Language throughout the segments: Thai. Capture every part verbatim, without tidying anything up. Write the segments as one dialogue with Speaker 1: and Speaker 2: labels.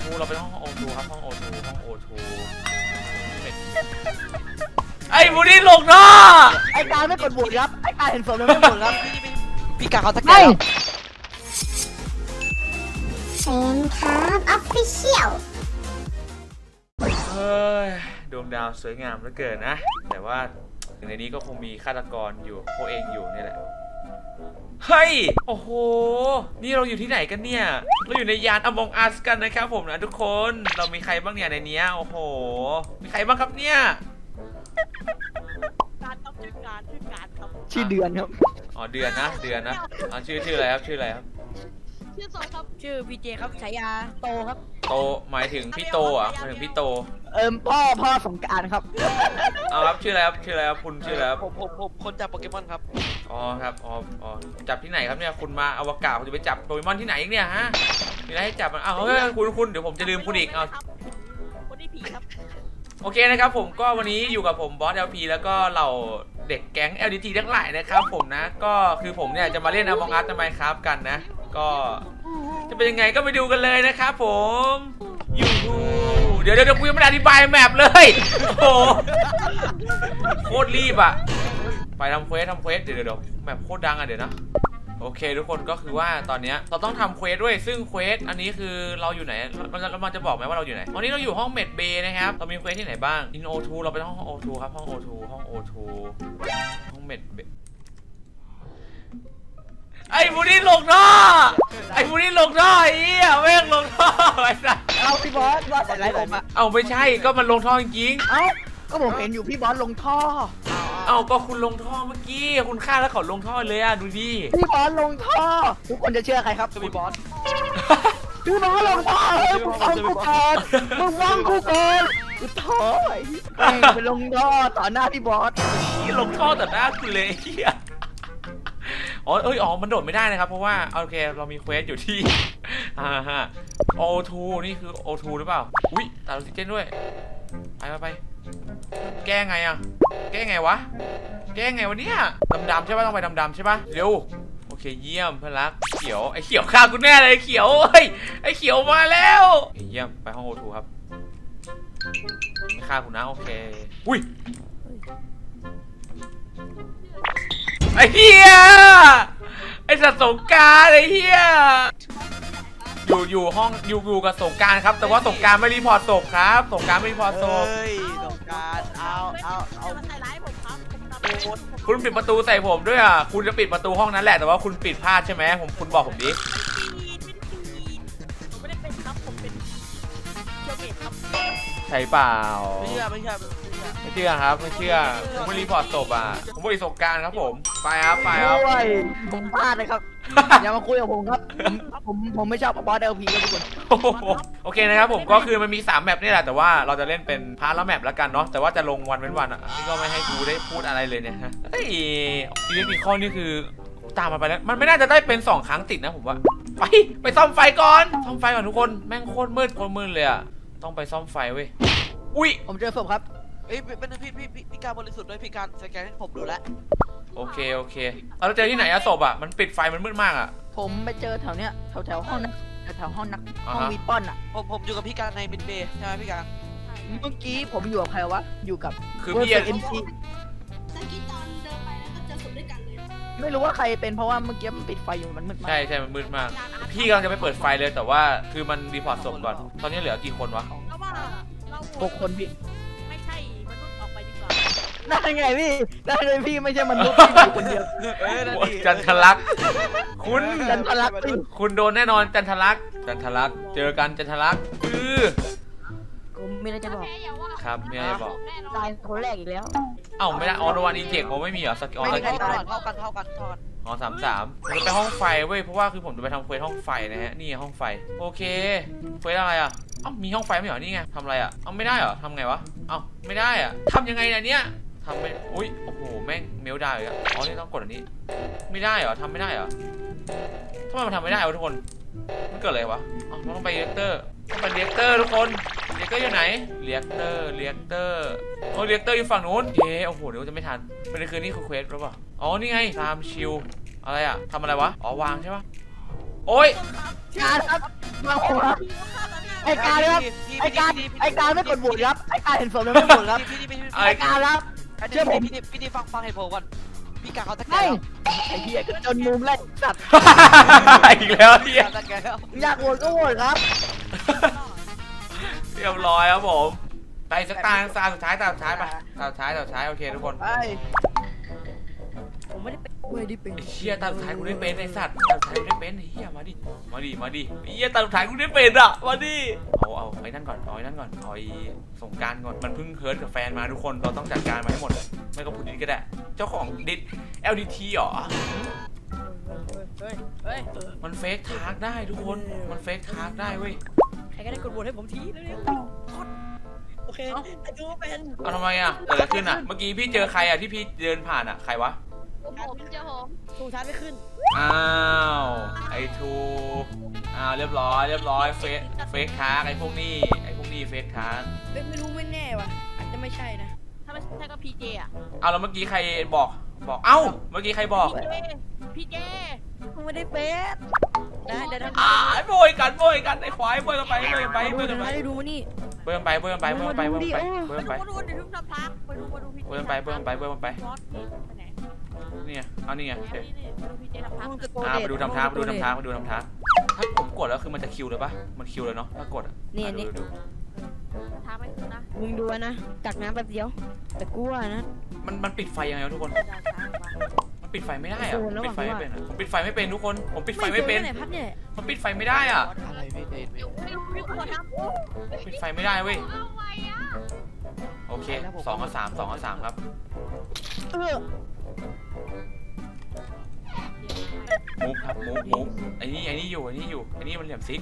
Speaker 1: ทูเราไปห้องโอทูครับห้องโอทูห้องโอทูไอ้บูดี้ลงท่อ
Speaker 2: ไอ้การไม่กดบุญครับไอ้การเห็นศพแล้วไม่บุญครับ
Speaker 3: พี่กาเขาตะแกรง
Speaker 4: เซนครับออฟฟิเชียล
Speaker 1: เฮ้ยดวงดาวสวยงามเหลือเกินนะแต่ว่าในนี้ก็คงมีฆาตกรอยู่พวกเองอยู่นี่แหละเฮ้ยโอ้โหนี่เราอยู่ที่ไหนกันเนี่ยเราอยู่ในยาน Among Us กันนะครับผมนะทุกคนเรามีใครบ้างเนี่ยในนี้โอ้โหมีใครบ้างครับเนี่ย
Speaker 5: การต้องชื่อการชื่อการครับ
Speaker 2: ชื่อเดือนครับ
Speaker 1: อ๋อเดือนนะเดือนนะอ๋อชื่อชื่ออะไรครับชื่ออะไรครับ
Speaker 5: ชื่อโซครับ
Speaker 2: ชื่อพีเจครับฉายาโตครับ
Speaker 1: โตหมายถึงพี่โตอ่ะหมายถึงพี่โต
Speaker 2: เอิมพ่อพ่อสงการครับ
Speaker 1: เอาครับชื่ออะไรครับชื่ออะไรครับคุณชื่ออะไรครับ
Speaker 3: ผมผมผมคนจับโปเกมอนครับ
Speaker 1: อ๋อครับอ๋ออ๋อจับที่ไหนครับเนี่ยคุณมาอวกาศคุณจะไปจับโปเกมอนที่ไหนอีกเนี่ยฮะมีอะไรให้จับมันอ้าวเฮ้ยคุณคุณเดี๋ยวผมจะลืมคุณอีกเอา
Speaker 5: คนที่ผีครับ
Speaker 1: โอเคนะครับผมก็วันนี้อยู่กับผมบอส แอล พี แล้วก็เหล่าเด็กแก๊ง แอล ดี ที ทั้งหลายนะครับผมนะก็คือผมเนี่ยจะมาเล่น Among Us ทำไมครับกันนะก็จะเป็นยังไงก็ไปดูกันเลยนะครับผมยูเดี๋ยวเดี๋ยวคุยไม่ได้อธิบายแมปเลยโอ้โคตรรีบอ่ะไปทำเควสทำเควสเดี๋ยวเดี๋ยวแมปโคตรดังอ่ะเดี๋ยวนะโอเคทุกคนก็คือว่าตอนนี้เราต้องทำเควสด้วยซึ่งเควสอันนี้คือเราอยู่ไหนมันจะมันจะบอกไหมว่าเราอยู่ไหนตอนนี้เราอยู่ห้องเมดเบย์นะครับเรามีเควสที่ไหนบ้างอินโอทูเราไปห้องโอทูครับห้องโอทูห้องโอทูห้องเมดเบย์ไอ้บูดี้ลงท่อไอ้บูดี้ลงท่อไอ้เหี้ยแม่งลงท่อไอ้สัส
Speaker 2: เอาพี่บอสบอสใส่ไรผมอะ
Speaker 1: เอาไม่ใช่ก็มันลงท่อจริง
Speaker 2: เอ้าก็ผมเห็นอยู่พี่บอสลงท่อ
Speaker 1: เอาก็คุณลงท่อเมื่อกี้คุณฆ่าแล้วเขาลงท่อเลยอ่ะดูดิ
Speaker 2: พี่บอสลงท่อทุกคนจะเชื่อใครครับ
Speaker 3: คือพี่บอส
Speaker 2: พี่บอสลงท่อเฮ้ยมึงฟังกูก่อนมึงฟังกูก่อนกูท่อไอ้ไปลงท่อต่อหน้าพี่บอส
Speaker 1: ที่ลงท่อต่อหน้าคุณเลยเฮียอ๋อเอ้ยอ๋อมันโดดไม่ได้นะครับเพราะว่าโอเคเรามีเควสอยู่ที่อ่าฮะโอทูนี่คือโอทูหรือเปล่าอุ้ยตัดออกซิเจนด้วยไปไปไปแก้ไงอ่ะแก้ไงวะแก้ไงวะเนี่ยดำๆใช่ป่ะต้องไปดำๆใช่ป่ะเร็วโอเคเยี่ยมเพื่อนรักเขียวไอ้เขียวฆ่ากูแน่เลยเขียวเฮ้ยไอ้เขียวมาแล้วเยี่ยมไปห้องโอทูครับไม่ฆ่ากูนะโอเคอุ้ยไอ้เหี้ยไอ้สัตว์สงการไอ้เหี้ยอยู่อยู่ห้องอยู่อยู่กับสงการครับแต่ว่าสงการไม่รีพอร์ตศพครับสงการไม่รีพอร์ตศพ
Speaker 3: เฮ้ยสงการเอาเอาเอา
Speaker 5: ใส่ร้ายผมครับ
Speaker 1: คุณปิดประตูใส่ผมด้วยอ่ะคุณจะปิดประตูห้องนั้นแหละแต่ว่าคุณปิดพลาดใช่ไหมผมคุณบอกผมดิ
Speaker 5: ผมไม่ได้เป็นครับผมเป็นเชียวเมดครับ
Speaker 1: ใช่เปล่า
Speaker 3: ไม่เชื่อไม่เชื่อ
Speaker 1: ไม่เชื่อครับไม่เชื่อผมไม่รีพอร์ตศพอ่ะผมบริสุทธิ์การครับผมไปครับไปครับ
Speaker 2: ผมพลาดเลยครับอย่ามาคุยกับผมครับผมผมไม่ชอบบอสเอลพีครับทุกคน
Speaker 1: โอเคนะครับผมก็คือมันมีสามแมปนี่แหละแต่ว่าเราจะเล่นเป็นพาร์ทละแมปแล้วกันเนาะแต่ว่าจะลงวันเว้นวันอ่ะนี่ก็ไม่ให้กูได้พูดอะไรเลยเนี่ยฮะเฮ้ยอีเวนต์อีกข้อนี่คือตามมาไปแล้วมันไม่น่าจะได้เป็นสองครั้งติดนะผมว่าไปไปซ่อมไฟก่อนซ่อมไฟก่อนทุกคนแม่งโคตรมืดโคตรมืดเลยอ่ะต้องไปซ่อมไฟเว้ยอุ้ย
Speaker 2: ผมเจอศพครับ
Speaker 3: เอ้ยเป็นพี่พี่พี่พี่การบริสุทธิ์ด้วยพี่การสแกนให้ผมดูแล
Speaker 1: โอเคโอเคเราเจอที่ไหนอะศพอะมันปิดไฟมันมืดมากอะ
Speaker 2: ผมไปเจอแถวเนี้ยแถวแถวห้องนักแถวห้องนักห้องวีปอนอะ
Speaker 3: ผมผมอยู่กับพี่การในบินเบย์ใช่ไหมพี่การ
Speaker 2: เมื่อกี้ผมอยู่กับใครวะอยู่กับ
Speaker 1: คือพี่
Speaker 2: เอ็มซี
Speaker 4: เมื่อกี้ตอนเดินไปแล้วก็เจอศพด้วยกันเลย
Speaker 2: ไม่รู้ว่าใครเป็นเพราะว่าเมื่อกี้มันปิดไฟอยู่มันมืดมาก
Speaker 1: ใช่ใช่มันมืดมากพี่กำลังจะไปเปิดไฟเลยแต่ว่าคือมันรีพอร์ตศพก่อนตอนนี้เหลือกี่คนวะ
Speaker 2: หกคนพี่
Speaker 5: ไม่ใช่มนุษย์ออกไปดีกว่า
Speaker 2: ได้ไงพี่ได้เลยพี่ไม่ใช่มนุษย์พี่อยู่คนเดียว
Speaker 1: จันทลักษ์คุณ
Speaker 2: จันทลักษ์
Speaker 1: คุณโดนแน่นอนจันทลักษ์จันทลักษ์เจอกันจันทลักษ์คือ
Speaker 2: ผมมีอะไรจะบอก
Speaker 1: ครับมีอะไรบอก
Speaker 2: ตายคนแรกอีกแล้ว
Speaker 1: เอ้าไม่ได้ออโนวันอินเทคผมไม่มีเหรอสกิล
Speaker 3: ไม่ได้เท่ากันเท่ากันเท่ากันเท่ากัน
Speaker 1: อ๋อสามสามผมจะไปห้องไฟเว้ยเพราะว่าคือผมจะไปทำเควสห้องไฟนะฮะนี่ห้องไฟโอเคเควสอะไรอ่ะเอ้ามีห้องไฟไม่เหรอนี่ไงทำอะไรอ่ะเอ้าไม่ได้เหรอทำไงวะเอ้าไม่ได้อ่ะทำยังไงเนี่ยเนี่ยทำไม่อุ้ยโอ้โหแม่งเมลได้เลยอ่ะอ๋อนี่ต้องกดอันนี้ไม่ได้เหรอทำไม่ได้เหรอทำไมมันทำไม่ได้วะทุกคนมันเกิดอะไรวะอ๋อเราต้องไปเรียกเตอร์ต้องไปเรียกเตอร์ทุกคนเรียกเตอร์อยู่ไหนเรียกเตอร์เรียกเตอร์โอ้เรียกเตอร์อยู่ฝั่งนู้นเอ๊ะโอ้โหเดี๋ยวจะไม่ทันเป็นคืนนี้คือเควสหรือเปล่าอ๋อนี่ไงตามชิวอะไรอ่ะทำอะไรวะอ๋อวางใช่ปะโอ้ย
Speaker 2: การครับมาผมครับไอ้การครับไอ้การไอ้การไม่กดโหวตครับไอ้การเห็นศพแล้วไม่โหวตครับ
Speaker 3: พี่พี่พี่
Speaker 2: ไอ้การครับ เชื่อผม
Speaker 3: พี่พี่พี่ฟังฟังเหตุผลก่อนพี่การเขาตะแกร
Speaker 2: ไม่
Speaker 3: ง
Speaker 2: ไอ้เหี้ยจนมุมแล้วสัตว์
Speaker 1: อีกแล้วเฮีย
Speaker 3: ตะแกรงแล้ว
Speaker 2: อยากโหวตก็โหวตครับ
Speaker 1: เรียบร้อยครับผมไปสักตาตาสุดท้ายตาสุดท้ายไปตาสุดท้ายตาสุดท้ายโอเคทุกคน
Speaker 2: ไป
Speaker 5: ผมไม่ได้เป็น
Speaker 2: ไม่ได้เป็น
Speaker 1: ไอ้เชี่ยตาสุดท้ายกูได้เป็นไอ้สัตว์ตาสุดท้ายกูได้เป็นไอ้เหี้ยมาดิมาดิมาดิไอ้เหี้ยตาสุดท้ายกูได้เป็นอ่ะมาดิเอาเอาไอ้นั่นก่อนเอาไอ้นั่นก่อนเอาไอ้สงกรารก่อนมันเพิ่งเฮิร์ตกับแฟนมาทุกคนเราต้องจัดการมาให้หมดไม่ก็พูดดิสก็ได้เจ้าของดิส แอล ดี ที เหรอ
Speaker 5: เฮ้ยเฮ้ย
Speaker 1: มันเฟกทาร์กได้ทุกคนมันเฟกทาร์กได้เว้ย
Speaker 5: ใครก็ได้กดโหวตให้ผมทีเร็วๆโอเคไอ้ดูเป็น
Speaker 1: เอาทำไมอ่ะเกิดอะไรขึ้นอ่ะเมื่อกี้พี่เจอใครอ่ะที่พี่เดินผ่านอ่ะใครวะ
Speaker 4: ผมเจอผม
Speaker 5: สูงท้ายไม่ขึ้น
Speaker 1: อ้าวไอ้ทูอ้าวเรียบร้อยเรียบร้อยเฟกเฟกทาร์กไอ้พวกนี้ไอ้พวกนี้เฟกทาร์ก
Speaker 5: ไม่รู้ไม่แน่ว่ะอาจจะไม่ใช่นะถ้าไม่ใช่ก็พีเจอ่ะ
Speaker 1: เอาแล้วเมื่อกี้ใครบอกบอกเอ้าเมื่อกี้ใครบอก
Speaker 5: พีเจพีเจกูไม่ได้เป็นนะเดี๋ยวทำ
Speaker 1: อ่าโบยกันโบยกันไอ้ควายโบยกันไปโบยกันไปโบยกันไป
Speaker 5: ดูมานี่
Speaker 1: โบยกันไปโบยกันไปโบยกันไปโบยกันไปโบยกันไป
Speaker 5: มาดูเดี๋ยวทุกทำพักไปดูมาดูพีเจ
Speaker 1: โบยกันไปโบยกันไปโบยกันไป
Speaker 5: บอสไปไหน
Speaker 1: นี่ไงเอานี่ไงโอเค
Speaker 5: นี่มาดูพีเจทำพัก
Speaker 1: อ่าไปดูทำท้าไปดูทำท้าไปดูทำท้าถ้าผมกดแล้วคือมันจะคิวเลยปะมันคิวเลยเนาะถ้ากดอ่ะ
Speaker 5: นี่
Speaker 1: อ่ะ
Speaker 5: นี่
Speaker 1: ดูดู
Speaker 5: ทำไม่ขึ้นนะ
Speaker 6: มึงดูนะจากน้ำแป๊บเดียว แต่กูว่านะ
Speaker 1: มันมันปิดไฟยังไงวะทุกคน
Speaker 5: ได้ช้างว่ะ
Speaker 1: มันปิดไฟไม่ได้อะ
Speaker 6: โซนแล้ว
Speaker 1: ปิดไฟไม่
Speaker 6: ว่ะ
Speaker 1: เป็นอะผมปิดไฟไม่เป็นทุกคนผมปิดไฟไม่เป็น
Speaker 6: ไหนพัดเนี่ย
Speaker 1: มันปิดไฟไม่ได้อ่ะ
Speaker 3: อะไรไม่เด็ด
Speaker 5: ไม่รู้ไม่รู้คนทำ
Speaker 1: ปิดไฟไม่ได้เว้ย
Speaker 4: เอาไว้อะ
Speaker 1: โอเคสองกับสามสองกับสามครับ
Speaker 6: เออ
Speaker 1: มูฟครับมูฟมูฟไอ้นี่ไอ้นี่อยู่ไอ้นี่อยู่ไอ้นี่มันเหลี่ยมซิก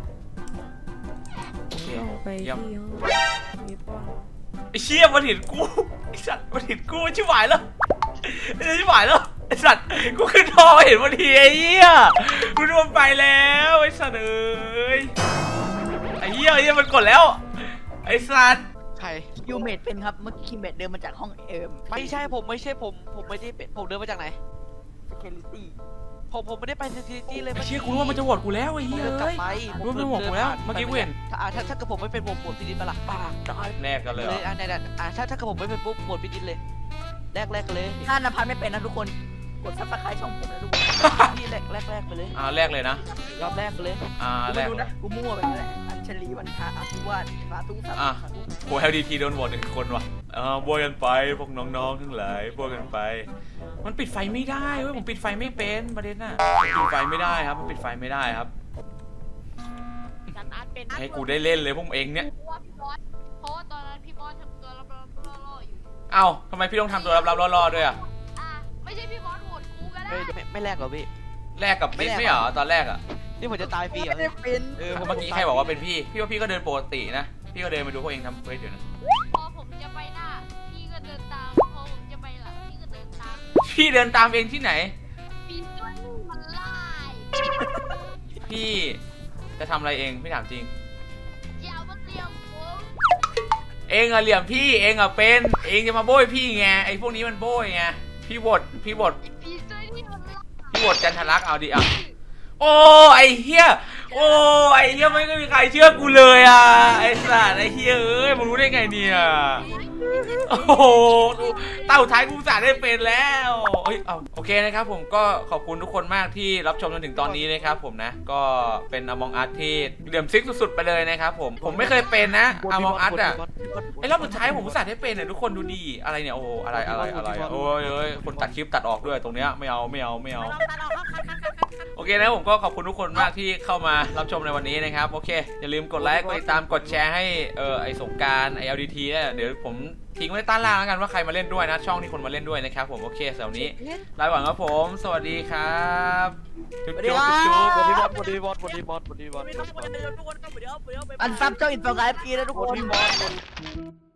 Speaker 1: โอเค
Speaker 6: เอาไป
Speaker 1: เยี่ยม
Speaker 6: ที่ห้องมีป้อน
Speaker 1: ไอ้เชี่ยมันเห็นกูไอ้สัตว์มันเห็นกูชิบหายแล้วไอ้ชิบหายแล้วไอ้สัตว์กูขึ้นทอเห็นพอดีไอ้เหี้ยกูรวมไปแล้วไอ้สัตว์เอ้ยไอ้เหี้ยไอ้เหี้ยมันกดแล้วไอ้สัตว์
Speaker 3: ใคร
Speaker 2: ยูเมดเป็นครับเมื่อกี้เมดเดินมาจากห้องเอิม
Speaker 3: ไม่ใช่ผมไม่ใช่ผมผมไม่ได้เป็นผมเดินมาจากไหน
Speaker 2: security
Speaker 3: ผมผมไม่ได้ไปเซนซิตี้เลย
Speaker 1: ไอ้เชี่ยกูรู้ว่ามันจะโหวตกูแล้วไอ้
Speaker 3: ผม
Speaker 1: เหี้ย
Speaker 3: เดินกลับ
Speaker 1: เอ้ย
Speaker 3: ไป
Speaker 1: รู้ว่ามันโหวตกูแล้วเมื่อกี้กูเห็น
Speaker 3: ถ้าอ่าถ้าถ้าเกิดผมไม่เป็นผมบวชพี่ดิษปะล่ะ
Speaker 1: ปากได้แรกกันเลยเหร
Speaker 3: เล
Speaker 1: อย
Speaker 3: อ่าในนั้นอ่าถ้าถ้าเกิดผมไม่เป็นปุ๊บบวชพี่ดิษเลยแรกแรกเลย
Speaker 2: ถ้านภัสไม่เป็นนะทุกคนกดซับสไครต์ช่องผมนะทุกคน
Speaker 3: พี่แรกแรกแรกไปเลย
Speaker 1: อ่าแรกเลยนะ
Speaker 3: รอบแรกไปเลย
Speaker 1: อ่า
Speaker 2: กู
Speaker 1: แร
Speaker 2: ไม่
Speaker 1: ก
Speaker 2: รู้
Speaker 1: เล
Speaker 2: นะ
Speaker 1: ย
Speaker 2: กูมั่วไปนั่นแหละอัญชลีวันทาอภิวาสสาธุสาธุ
Speaker 1: อ่ะ
Speaker 2: สาธุ
Speaker 1: โห แอล ดี ที โดนโหวตหนึ่งคนว่ะเออโบยกันไปพวกน้องๆทั้งหลายโบยกันไป มันปิดไฟไม่ได้เว้ยผมปิดไฟไม่เป็นประเด็นน่ะปิดไฟไม่ได้ครับมันปิดไฟไม่ได้ครับ
Speaker 5: จันอาร์ตเป็น
Speaker 1: ให้กูได้เล่นเลยพวกเองเนี่ย
Speaker 4: เพราะว่าพี่บอสเพราะว่าตอนนั้นพี่บอสทำตัวรับรับล่อๆอยู่
Speaker 1: เอ้าทำไมพี่ต้องทำตัวลับๆล่อๆด้วยอ่ะ
Speaker 4: อ่ะไม่ใช่พี่บอสโหวตกูก็ได้
Speaker 3: ไม่ไม่ไม่แรกหรอพี่
Speaker 1: แลกกับเบสไม่เหรอตอนแรกอ่ะ
Speaker 3: นี่ผมจะตายฟรีเหรอ
Speaker 2: ไม่ได้เป็น
Speaker 1: เออเมื่อกี้ใครบอกว่าเป็นพี่พี่ว่าพี่ก็เดินปกตินะพี่ก็เดินไปดูพวกเองทำเควสอยู่นะ
Speaker 4: พอผมจะไปหน้า พี่ก็เดินตาม พอผมจะไปหลัง พี่ก็เดินตาม
Speaker 1: พี่เดินตามเองที่ไหน
Speaker 4: พี่ตัวนี้มันไล่
Speaker 1: พี่จะทำอะไรเองพี่ถามจริง
Speaker 4: อย่ามาเตรียมผม
Speaker 1: เองอะเหลี่ยมพี่เองอะเป็นเองจะมาโบยพี่ไงไอ้พวกนี้มันโบยไงพี่บดพี่บด
Speaker 4: พี่ตัวนี้มันไล่
Speaker 1: พี่บดจันทรักษ์เอาดิอ่ะโอ้ไอ้เหี้ยโอ้ไอ้เหี้ยไม่มีใครเชื่อกูเลยอ่ะไอ้สัตว์ไอ้เหี้ยเอ้ยมึงรู้ได้ไงเนี่ยโอ้โหดูเต้าท้ายกูสาได้เป็นแล้วเอ้ยเอาโอเคนะครับผมก็ขอบคุณทุกคนมากที่รับชมจนถึงตอนนี้นะครับผมนะก็เป็น Among Us ที่เหลี่ยมซิกสุดๆไปเลยนะครับผมผมไม่เคยเป็นนะ Among Us อ่ะ ไอ้รอบสุดท้ายผมอุตส่าห์ได้เป็นเนี่ยทุกคนดูดีอะไรเนี่ยโอ้อะไรอะไรอะไรโอ้ยเอ้ยคนตัดคลิปตัดออกด้วยตรงเนี้ยไม่เอาไม่เอาไม่เอา
Speaker 5: ไม่ต้องตัดออกครับคัดคัดคัดคัดคัด
Speaker 1: โอเคนะผมก็ขอบคุณทุกคนมากที่เข้ามารับชมในวันนี้นะครับโอเคอย่าลืมกดไลค์กดติดตามกดแชร์ให้เออไอสงกรารไอ แอล ดี ที เนี่ยเดี๋ยวผมทิ้งไว้ใต้ล่างแล้วกันว่าใครมาเล่นด้วยนะช่องที่คนมาเล่นด้วยนะครับผมโอเคสำหรับนี้ลาไปก่อนครับผมสวัสดีครับจุ๊บจุ๊บจุ๊บ
Speaker 3: วัน
Speaker 1: จุ๊
Speaker 3: นี้
Speaker 1: บ
Speaker 3: บอสวันนี้บอสวันนี้บอสวันนี้บอส
Speaker 5: ไม่ต้องทุกคนเดี๋ยวทุกคนก็เดี๋ยวเดี๋ยวไป
Speaker 2: อันซับเจ้าอินโฟกราฟีนะทุก
Speaker 3: วัน
Speaker 2: คน
Speaker 3: นี้บอส